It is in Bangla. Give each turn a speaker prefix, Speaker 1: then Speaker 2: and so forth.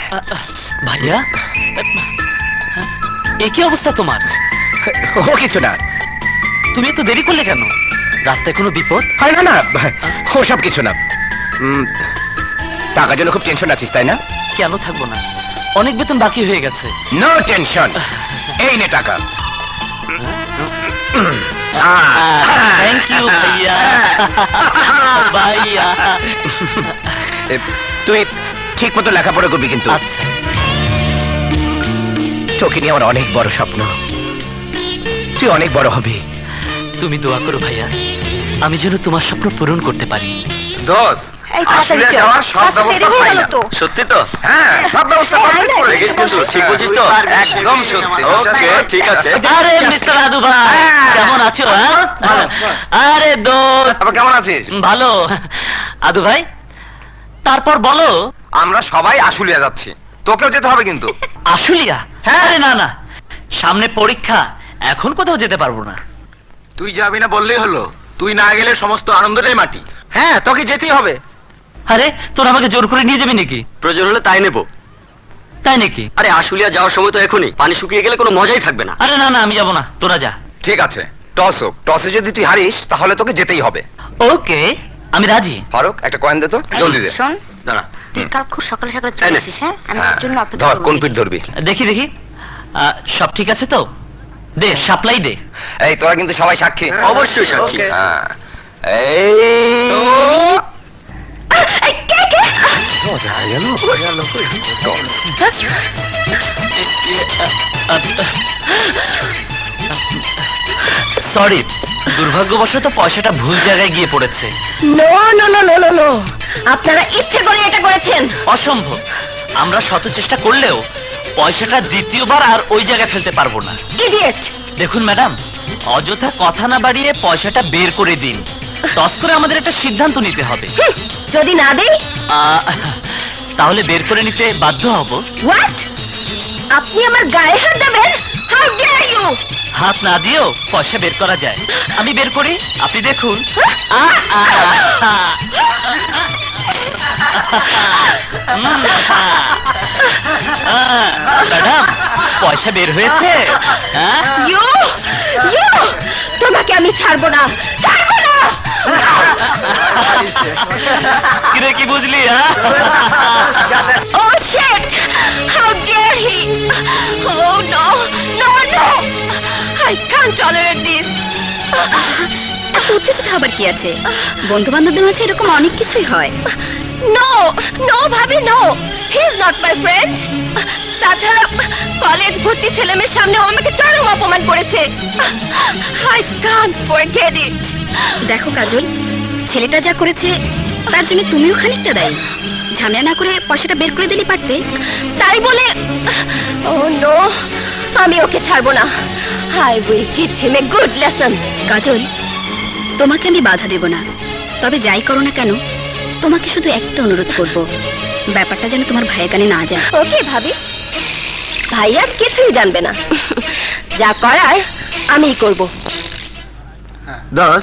Speaker 1: ভাইয়া, এ কি অবস্থা তোমার?
Speaker 2: ও কিছু না।
Speaker 1: তুমি এত দেরি করলে কেন? রাস্তায় কোনো বিপদ?
Speaker 2: হয় না, না ও সব কিছু না। টাকার জন্য খুব টেনশন আছিস তাই না?
Speaker 1: কেন থাকবো না, অনেক বেতন বাকি হয়ে গেছে।
Speaker 2: নো টেনশন, এই নে টাকা।
Speaker 1: থ্যাংক ইউ ভাইয়া। ভাইয়া
Speaker 2: তুই ঠিক মতো লেখাপড়া করবি কিন্তু।
Speaker 1: আচ্ছা।
Speaker 2: তোকে নিয়ে আমার অনেক বড় স্বপ্ন, তুই অনেক বড় হবি।
Speaker 1: তুমি দোয়া করো ভাইয়া, আমি যেন তোমার স্বপ্ন পূরণ করতে পারি।
Speaker 2: দোষ আসলে যাওয়ার সব ব্যবস্থা পাইলাম।
Speaker 1: সত্যি তো?
Speaker 2: হ্যাঁ, সব ব্যবস্থা কমপ্লিট করে
Speaker 1: দেখিস কিন্তু, ঠিক বলছিস তো?
Speaker 2: একদম সত্যি।
Speaker 1: ওকে, ঠিক আছে। আরে মিস্টার আদু ভাই, কেমন আছো? আরে দোস্ত,
Speaker 2: আবার কেমন আছিস?
Speaker 1: ভালো। আদু ভাই, তারপর বলো।
Speaker 2: আমরা সবাই আশুলিয়া যাচ্ছি, তোকেও যেতে হবে কিন্তু।
Speaker 1: আশুলিয়া?
Speaker 2: হ্যাঁ।
Speaker 1: আরে না না, সামনে পরীক্ষা, এখন কোথাও যেতে পারবো না।
Speaker 2: তুই যাবি না বললেই হলো, তুই না গেলে সমস্ত আনন্দটাই মাটি। হ্যাঁ, তোকে যেতেই হবে।
Speaker 1: আরে তোরা আমাকে জোর করে নিয়ে যাবি নাকি?
Speaker 3: প্রয়োজন হলে তাই নেব।
Speaker 1: তাই নাকি?
Speaker 3: আরে আশুলিয়া যাওয়ার সময় তো এখনই, পানি শুকিয়ে গেলে কোনো মজাই থাকবে না।
Speaker 1: আরে না না, আমি যাবো না, তোরা যা।
Speaker 2: ঠিক আছে, টস হোক। টসে যদি তুই হারিস তাহলে তোকে যেতেই হবে।
Speaker 1: ওকে, আমি রাজি।
Speaker 2: ফারুক, একটা কয়েন দে তো, জলদি দে।
Speaker 4: শোন,
Speaker 2: দাঁড়া।
Speaker 4: তুই কাল খুব সকালে সকালে
Speaker 3: তাই
Speaker 4: চলে
Speaker 3: না?
Speaker 4: আসিস, হ্যাঁ? আমি
Speaker 2: হ্যাঁ,
Speaker 4: তোর জন্য অপেক্ষা
Speaker 2: ধর
Speaker 4: করবো।
Speaker 2: কোন পিঠ ধরবি।
Speaker 1: দেখি দেখি, সব ঠিক আছে তো? দে, সাপ্লাই দে।
Speaker 2: এই তোরা কিন্তু সবাই সাক্ষী।
Speaker 3: অবশ্যই সাক্ষী।
Speaker 2: হ্যাঁ, এই
Speaker 4: এই, কে কে?
Speaker 2: মজা হয়ে গেল।
Speaker 1: সরি, দুর্ভাগ্যবশত পয়সাটা ভুল জায়গায় গিয়ে পড়েছে।
Speaker 4: No no no no no no, আপনারা ইচ্ছে করে এটা করেছেন।
Speaker 1: অসম্ভব, আমরা শত চেষ্টা করলেও পয়সাটা দ্বিতীয়বার আর ওই জায়গায় ফেলতে পারবো না।
Speaker 4: ইডিয়েট!
Speaker 1: দেখুন ম্যাডাম, অযথা কথা না বাড়িয়ে পয়সাটা বের করে দিন। টস করে আমাদের একটা সিদ্ধান্ত নিতে হবে।
Speaker 4: যদি না দেই?
Speaker 1: তাহলে বের করে নিতে বাধ্য হব।
Speaker 4: হোয়াট? আপনি আমার গায়ে হাত দেবেন? How dare you!
Speaker 1: হাত না দিয়েও পয়সা বের করা যায়। আমি বের করি, আপনি দেখুন। ম্যাডাম, পয়সা বের হয়েছে।
Speaker 4: You you! তোমাকে আমি ছাড়বো না, ছাড়বো না!
Speaker 1: কিরে, কি বুঝলি?
Speaker 4: Oh shit! How dare he! Oh no! No, no! I can't tolerate this!
Speaker 5: এত উত্তেজিত হবার কি আছে? বন্ধু বান্ধবদের মাঝে এরকম অনেক কিছুই হয়।
Speaker 4: No! No, ভাবি, no! He is not my friend! তাছাড়া কলেজ ভর্তি ছেলেমেয়ের সামনে ও আমাকে চরম অপমান করেছে। I can't forget it!
Speaker 5: দেখো কাজল, ছেলেটা যা করেছে তার জন্য তুমিও খানিকটা দায়ী। ঝামেলা না করে পয়সাটা বের করে দিলে পারতে।
Speaker 4: তাই বলে oh no! আমি ওকে ছাড়বো না। I will teach him a good lesson!
Speaker 5: কাজল, তোমাকে আমি বাধা দেব না, তবে যাই করো না কেন তোমাকে শুধু একটা অনুরোধ করব, ব্যাপারটা যেন তোমার ভাইয়ের কানে না যায়।
Speaker 4: ওকে ভাবি, ভাইয়া কিছুই জানবে না। যা করার আমিই করব।
Speaker 2: দোষ